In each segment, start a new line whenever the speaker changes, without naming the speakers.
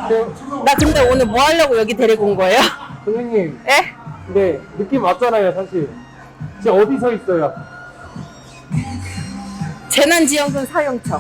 나 근데 오늘 뭐 하려고 여기 데리고 온 거예요?
선생님,
에?
네, 느낌 왔잖아요, 사실. 지금 어디 서 있어요?
재난지원금 사용처.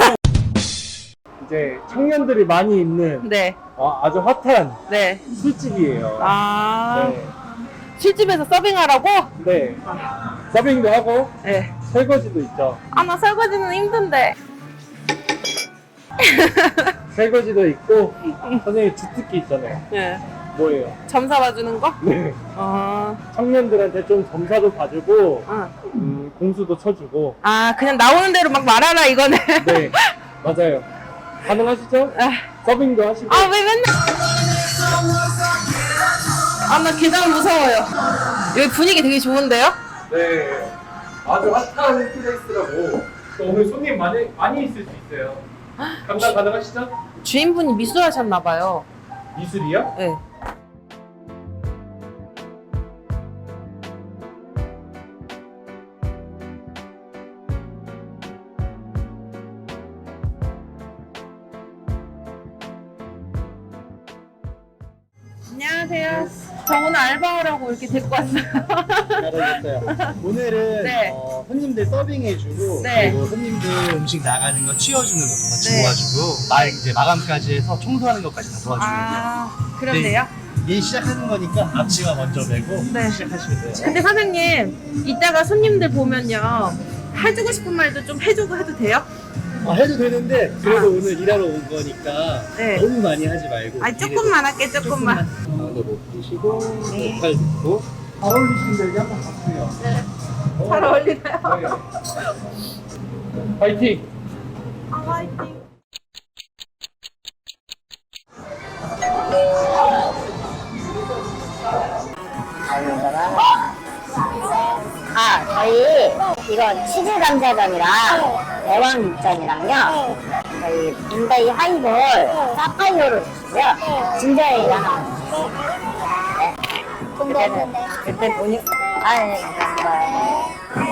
이제 청년들이 많이 있는
네,
아주 핫한
네.
술집이에요.
아,
네.
술집에서 서빙하라고?
네. 서빙도 하고
네.
설거지도 있죠.
아, 나 설거지는 힘든데.
설거지도 있고 선생님 주특기 있잖아요.
네.
뭐예요?
점사 봐주는 거?
네.
어,
청년들한테 좀 점사도 봐주고
응.
공수도 쳐주고.
아, 그냥 나오는 대로 막 말하라, 이거는.
네, 맞아요. 가능하시죠?
아,
서빙도 하시고.
아, 왜 맨날. 아, 나 계단 무서워요. 여기 분위기 되게 좋은데요?
네, 아주 핫한 플레이스라고. 또 오늘 손님 많이 있을 수 있어요. 감당 가능하시죠?
주인분이 미술하셨나봐요.
미술이요?
네. 안녕하세요. 저 오늘 알바하라고 이렇게 데리고 왔어요.
잘하셨어요. 오늘은
네.
손님들 서빙해주고
네.
그리고 손님들 음식 나가는 거 치워주는 것도 같이
네.
도와주고 이제 마감까지 해서 청소하는 것까지 다 도와주는 거예요.
아, 그런데요?
일 시작하는 거니까 앞치마 먼저 메고
네.
시작하시면 돼요.
근데 사장님, 이따가 손님들 보면요. 해주고 싶은 말도 좀 해주고 해도 돼요?
해도 되는데 그래도 오늘 일하러 온 거니까
네.
너무 많이 하지 말고
아, 조금만 할게, 조금만.
가운데 못 드시고
네.
팔 긋고
잘 어울리시는데 여기 한번 봐주세요.
네. 잘 어울리나요?
네. 파이팅!
아, 화이팅.
저희 이건 치즈 감자전이랑 애완 육전이랑요. 저희 문다이 하이볼 사파이어로 주시고요. 진저에이를 하나 주시고요. 네. 그때 돈이 네, 감사합니다.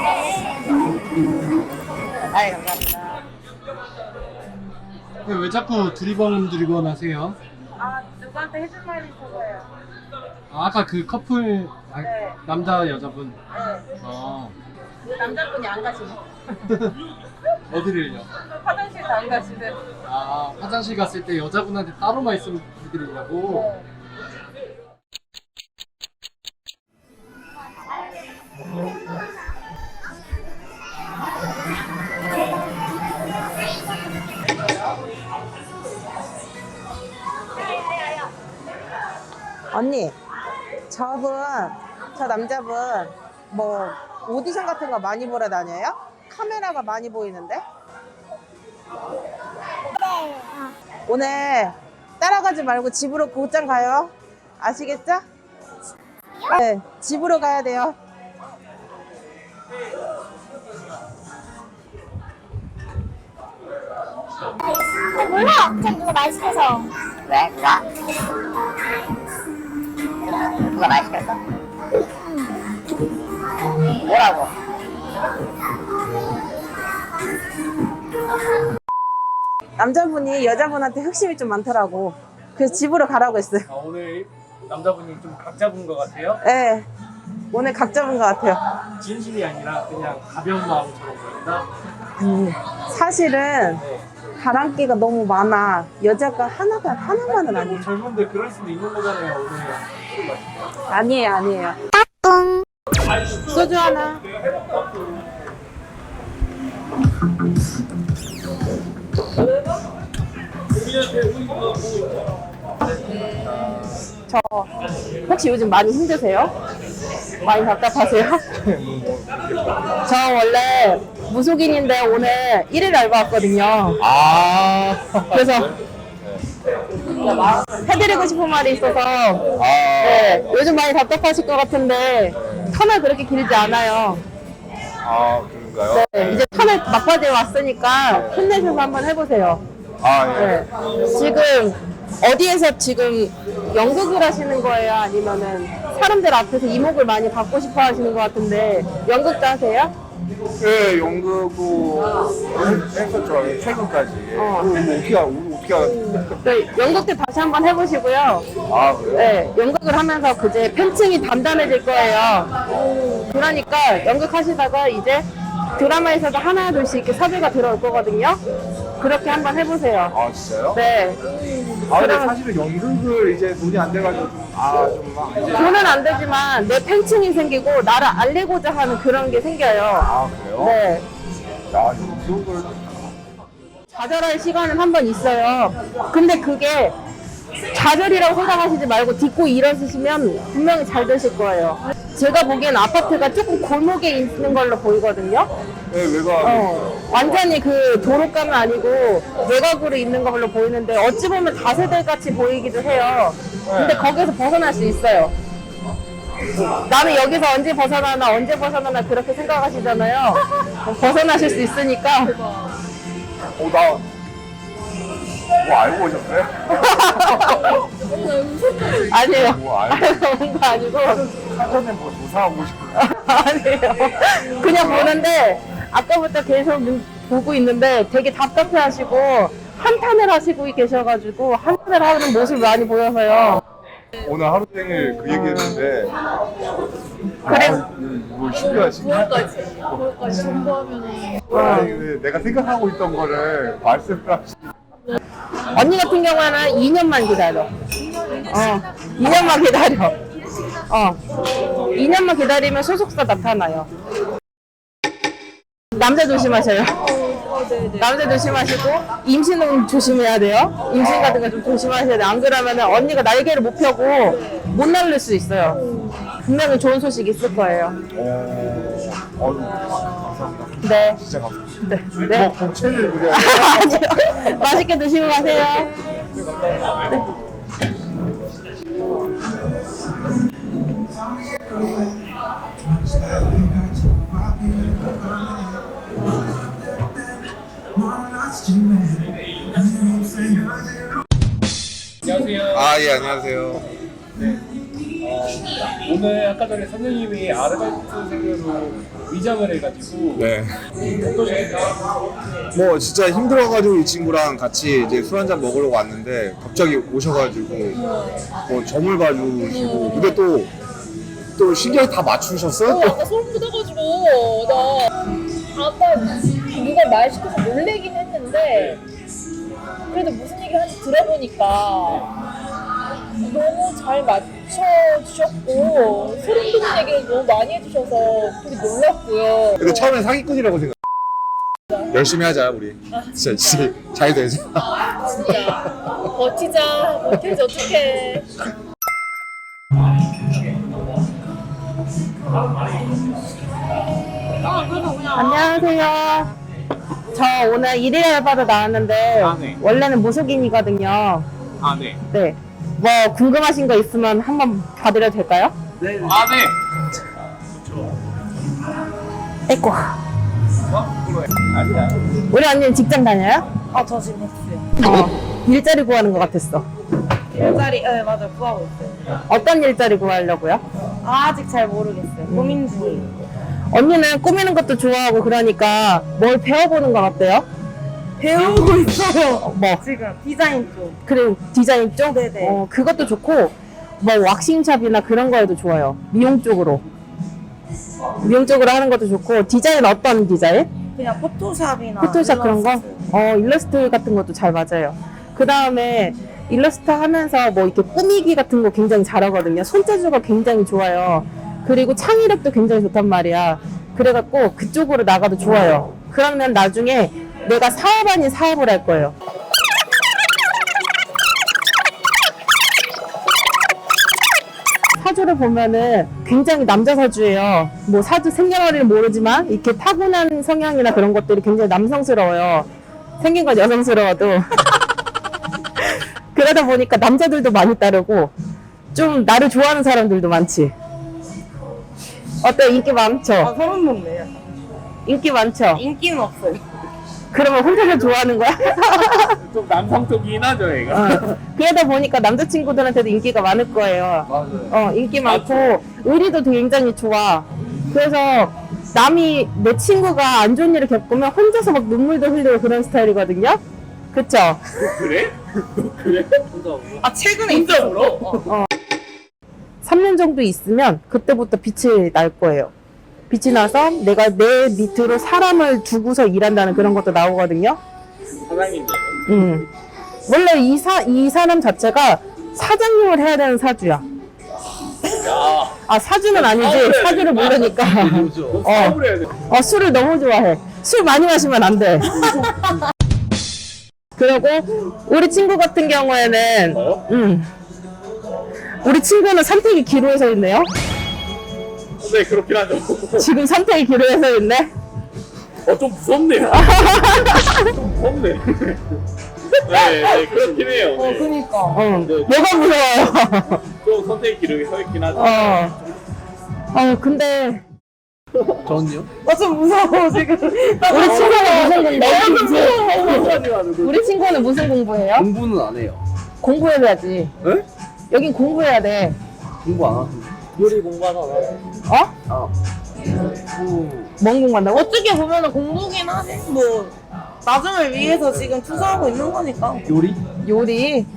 감사합니다.
왜 자꾸 두리번 두리번 하세요?
아, 누구한테 해줄 말이 있어서요.
아까 그 커플
네.
남자 여자분.
네.
그
남자분이 안 가시네.
어디를요?
화장실도 안 가시네.
화장실 갔을 때 여자분한테 따로 말씀 드리려고.
언니, 저 남자분 뭐 오디션 같은 거 많이 보러 다녀요? 카메라가 많이 보이는데? 오늘 따라가지 말고 집으로 곧장 가요. 아시겠죠? 네, 집으로 가야 돼요.
몰라. 그냥 누가 말 시켜서. 왜? 누가 말 시켰어? 뭐라고?
남자분이 여자분한테 흑심이 좀 많더라고. 그래서 집으로 가라고 했어요.
오늘 남자분이 좀 각 잡은 것 같아요?
네, 오늘 각 잡은 것 같아요.
진심이 아니라 그냥 가벼운 마음처럼 보인다?
사실은 바람기가 너무 많아. 여자가 하나만은 아니에요.
젊은데 그럴 수도 있는 거잖아요, 오늘. 술 마시면.
아니에요. 소주 하나. 저 혹시 요즘 많이 힘드세요? 많이 답답하세요? 저 원래 무속인인데 오늘 1일 알바 왔거든요. 그래서 해드리고 싶은 말이 있어서 네, 요즘 많이 답답하실 것 같은데 터널 그렇게 길지 않아요.
그런가요?
네, 이제 터널 막바지에 왔으니까 힘내셔서 한번 해보세요. 네. 지금 어디에서 지금 연극을 하시는 거예요? 아니면은 사람들 앞에서 이목을 많이 받고 싶어 하시는 것 같은데 연극도 하세요?
네, 연극도 했었죠. 최근까지.
어.
어떻게 어떻게 알았어요?
네, 연극 때 다시 한번 해보시고요.
아, 그래요?
네, 연극을 하면서 그제 팬층이 단단해질 거예요. 그러니까 연극 하시다가 이제 드라마에서도 하나 둘씩 이렇게 섭외가 들어올 거거든요. 그렇게 한번 해보세요.
아, 진짜요?
네.
아, 근데
그럼-
사실은 연극을 이제 돈이 안 돼가지고 이제.
돈은 안 되지만 내 팬층이 생기고 나를 알리고자 하는 그런 게 생겨요.
아, 그래요?
네.
야, 연극을.
좌절할 시간은 한 번 있어요. 근데 그게 좌절이라고 생각하시지 말고 딛고 일어서시면 분명히 잘 되실 거예요. 제가 보기엔 아파트가 조금 골목에 있는 걸로 보이거든요.
네, 외곽.
완전히 그 도로가는 아니고 외곽으로 있는 걸로 보이는데 어찌 보면 다세대 같이 보이기도 해요. 근데 거기서 벗어날 수 있어요. 나는 여기서 언제 벗어나나 그렇게 생각하시잖아요. 벗어나실 수 있으니까.
뭐 알고 오셨어요?
아니에요.
뭐 알고.
알고 온 거 아니고.
사전에 뭐 조사하고 싶어요?
아니에요. 그냥 보는데 아까부터 계속 보고 있는데 되게 답답해 하시고 한탄을 하시고 계셔가지고 한탄을 하는 모습이 많이 보여서요.
오늘 하루 종일 그 얘기했는데.
그래.
뭐 신기하시네.
그거까지 공부하면은
아니, 내가 생각하고 있던 거를 말씀을 하시.
언니 같은 경우에는 2년만 기다려. 2년만 기다려. 2년만 기다리면 소속사 나타나요. 남자 조심하셔요. 남자 조심하시고 임신은 조심해야 돼요. 임신 같은 거 좀 조심하셔야 돼요. 안 그러면 언니가 날개를 못 펴고 못 날릴 수 있어요. 분명히 좋은 소식 있을 거예요.
감사합니다.
네.
진짜 감사합니다.
네. 네.
뭐 공채를 그냥.
아니요. 맛있게 드시고 가세요.
안녕하세요.
아, 예, 안녕하세요.
오늘 아까 전에 선생님이 아르바이트생으로 위장을 해가지고
네.
어떠셨어요?
뭐 진짜 힘들어가지고 이 친구랑 같이 이제 술 한잔 먹으려고 왔는데 갑자기 오셔가지고 뭐 점을 봐주시고 근데 또 신경 다 맞추셨어요? 또?
아까 소름 돋아가지고 나 아까 누가 말 시켜서 놀래긴 했는데 그래도 무슨 얘기 하는지 들어보니까 너무 잘 맞춰주셨고 소름 돋는 얘기를 너무 많이 해주셔서 되게 놀랐고요.
근데 처음엔 사기꾼이라고 생각. 열심히 하자 우리. 진짜 잘 되자.
진짜 버티자 버티지 어떡해.
안녕하세요. 저 오늘 일일 알바로 나왔는데
네.
원래는 무속인이거든요.
아, 네.
네. 뭐 궁금하신 거 있으면 한번 봐드려도 될까요?
아, 네.
에이고.
아니야.
우리 언니는 직장 다녀요?
저 지금 했어요.
일자리 구하는 것 같았어.
일자리, 네, 맞아요. 구하고 있어요.
어떤 일자리 구하려고요?
아직 잘 모르겠어요. 고민 중이에요.
언니는 꾸미는 것도 좋아하고 그러니까 뭘 배워보는 건 어때요?
배우고 있어요.
뭐
지금 디자인 쪽.
그리고 디자인 쪽?
네네.
그것도 좋고 뭐 왁싱샵이나 그런 거에도 좋아요. 미용 쪽으로 하는 것도 좋고. 디자인 어떤 디자인?
그냥 포토샵이나.
포토샵 그런 거?
일러스트.
일러스트 같은 것도 잘 맞아요. 그 다음에 일러스트 하면서 뭐 이렇게 꾸미기 같은 거 굉장히 잘하거든요. 손재주가 굉장히 좋아요. 그리고 창의력도 굉장히 좋단 말이야. 그래갖고 그쪽으로 나가도 좋아요. 그러면 나중에 내가 사업 아닌 사업을 할 거예요. 사주를 보면은 굉장히 남자 사주예요. 뭐 사주 생년월일은 모르지만 이렇게 타고난 성향이나 그런 것들이 굉장히 남성스러워요. 생긴 건 여성스러워도. 그러다 보니까 남자들도 많이 따르고 좀 나를 좋아하는 사람들도 많지. 어때? 인기 많죠?
소름 돋네요.
인기 많죠?
인기는 없어요.
그러면 혼자서 좋아하는 거야?
좀 남성적이긴 하죠, 얘가.
그러다 보니까 남자친구들한테도 인기가 많을 거예요.
맞아요.
인기 많고 의리도 굉장히 좋아. 그래서 남이 내 친구가 안 좋은 일을 겪으면 혼자서 막 눈물도 흘리고 그런 스타일이거든요. 그쵸?
그래? 그래?
아 최근에
진짜
있어.
울어?
3년 정도 있으면 그때부터 빛이 날 거예요. 빛이 나서 내가 내 밑으로 사람을 두고서 일한다는 그런 것도 나오거든요.
사장님이에요.
원래 이 사람 자체가 사장님을 해야 되는 사주야.
야,
아, 사주는 아니지. 사주를 모르니까.
너 사업을 해야 돼.
술을 너무 좋아해. 술 많이 마시면 안 돼. 그리고 우리 친구 같은 경우에는
저요?
우리 친구는 선택이 기로에 있네요.
네, 그렇긴 하죠.
지금 선택이 기로에 있네.
좀 무섭네요. 좀 무섭네. 네, 그렇긴 해요. 네.
그니까.
뭐가 무서워요?
좀 선택의 기록이 서 있긴 하죠.
근데
저는요?
좀 무서워 지금.
우리 친구는 무슨 공부? 우리 친구는 무슨 공부해요?
공부는 안 해요.
공부해야지.
네?
여긴 공부해야 돼.
공부 안 하던데. 요리 공부하잖아.
어?
아.
뭔 공부한다고?
어떻게 보면은 공부긴 하지. 뭐 나중을 위해서 지금 투자하고 있는 거니까.
요리?
요리.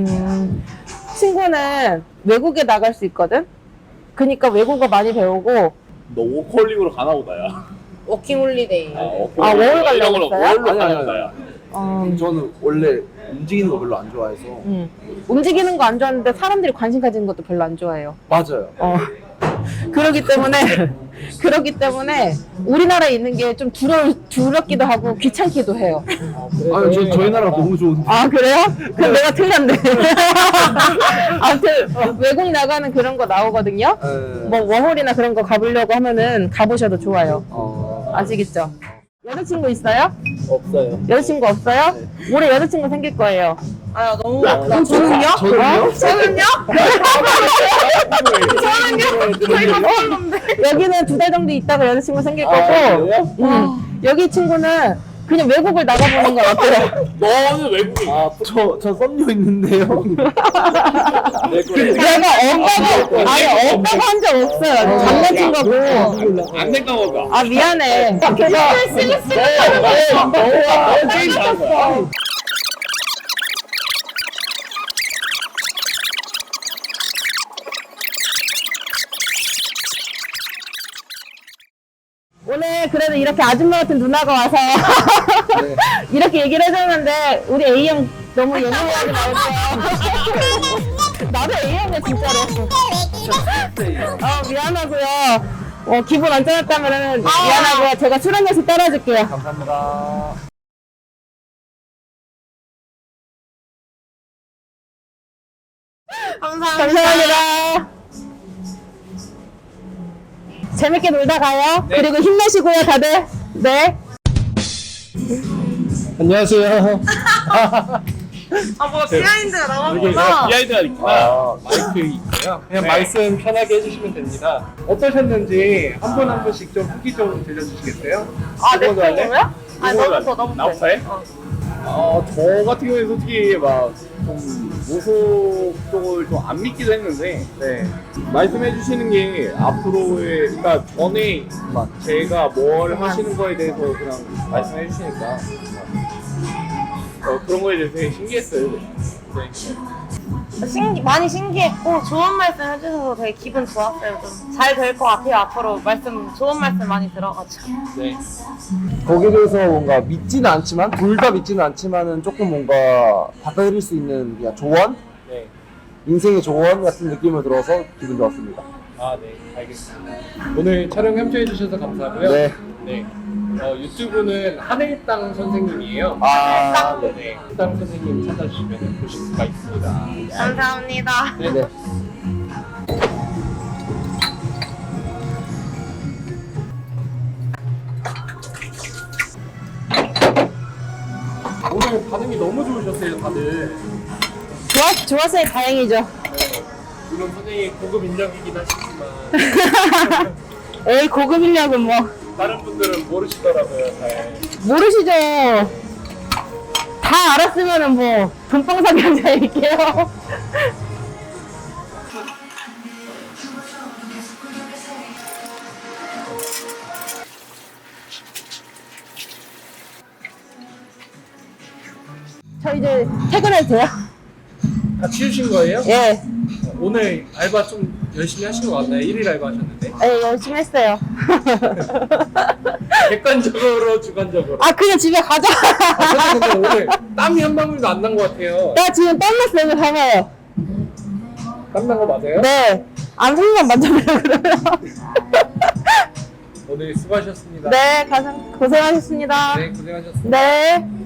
친구는 외국에 나갈 수 있거든. 그러니까 외국어 많이 배우고.
너 워컬링으로 가나 보다, 야.
워킹 홀리데이.
워홀 가려고 했어요?
워홀로
아니,
가나
아니,
보다, 야.
저는 원래 움직이는 거 별로 안 좋아해서.
움직이는 거 안 좋아하는데 사람들이 관심 가지는 것도 별로 안 좋아해요.
맞아요.
그러기 때문에 우리나라에 있는 게 좀 두렵기도 하고 귀찮기도 해요.
아니, 저희 나라 너무 좋은데.
아, 그래요? 그럼 내가 틀렸네. 아무튼 외국 나가는 그런 거 나오거든요. 뭐 워홀이나 그런 거 가보려고 하면은 가보셔도 좋아요. 아시겠죠? 여자친구 있어요?
없어요.
여자친구 없어요? 올해 여자친구 생길 거예요.
아 너무 나 저는요?
저는요?
저는요? 저희가 모르는데.
여기는 2달 정도 있다가 여자친구 생길 거고, 여기 친구는 그냥 외국을 나가보는 건 어때요?
너는 외국인.
저 썸녀 있는데요.
내가 엄마가 한 적 없어요. 장난친 거고.
안 된가 보다.
아, 미안해. 그래서
너 게임 잘한 거야.
오늘 그래도 이렇게 아줌마 같은 누나가 와서 이렇게 얘기를 해줬는데 우리 A형 너무 예민하지 말고요. 나도 A형이야 진짜로. 미안하고요. 기분 안 좋았다면 미안하고요. 제가 술 한 잔씩 따라줄게요.
감사합니다.
감사합니다. 재밌게 놀다 가요. 그리고 힘내시고요, 다들. 네.
안녕하세요.
아뭐 비하인드가
이게
나왔구나.
비하인드가 있구나. 마이크 있고요. 그냥 말씀 편하게 해주시면 됩니다. 어떠셨는지 한 분 한 분씩 좀 후기 좀 들려주시겠어요?
내
누구 할래?
거야? 아니
누구
너부터
할래?
너부터.
나부터 해? 저 같은 경우에 솔직히 막 좀 무속 쪽을 좀 안 믿기도 했는데, 네. 말씀해 주시는 게 앞으로의, 그러니까 전에 막 제가 뭘 하시는 거에 대해서 그냥 말씀해 주시니까 그런 거에 대해서 되게 신기했어요. 네.
많이 신기했고 좋은 말씀 해주셔서 되게 기분 좋았어요. 좀 잘 될 것 같아요. 앞으로 좋은 말씀 많이 들어가지고.
네.
거기에 대해서 뭔가 믿지는 않지만, 둘 다 믿지는 않지만은 조금 뭔가 받아들일 수 있는 그냥 조언?
네.
인생의 조언 같은 느낌을 들어서 기분 좋았습니다.
네. 알겠습니다. 오늘 촬영 협조해 주셔서 감사하고요.
네.
네. 유튜브는 하늘땅 선생님이에요.
네.
네. 하늘땅 선생님 찾아주시면 보실 수가 있습니다.
감사합니다.
네.
오늘 반응이 너무 좋으셨어요, 다들.
좋았어요. 다행이죠.
물론 선생님 고급 인정이긴 하시지만
에이, 고급 인력은 뭐.
다른 분들은 모르시더라고요, 잘.
모르시죠? 다 알았으면은 뭐, 돈방사기 앉아있게요. 저 이제 퇴근해도 돼요?
다 치우신 거예요?
예.
오늘 알바 좀 열심히 하신 거 같나요? 1일 알바 하셨는데?
예, 열심히 했어요.
객관적으로 주관적으로.
아, 그냥 집에 가자.
아, 근데 오늘 땀이 한 방울도 안 난 것 같아요.
나 지금 땀났어요, 봐봐요.
땀 난 거 맞아요?
네. 안 손만 만져보려고 그러면.
오늘 수고하셨습니다.
네, 가장 고생하셨습니다.
네, 고생하셨습니다.
네.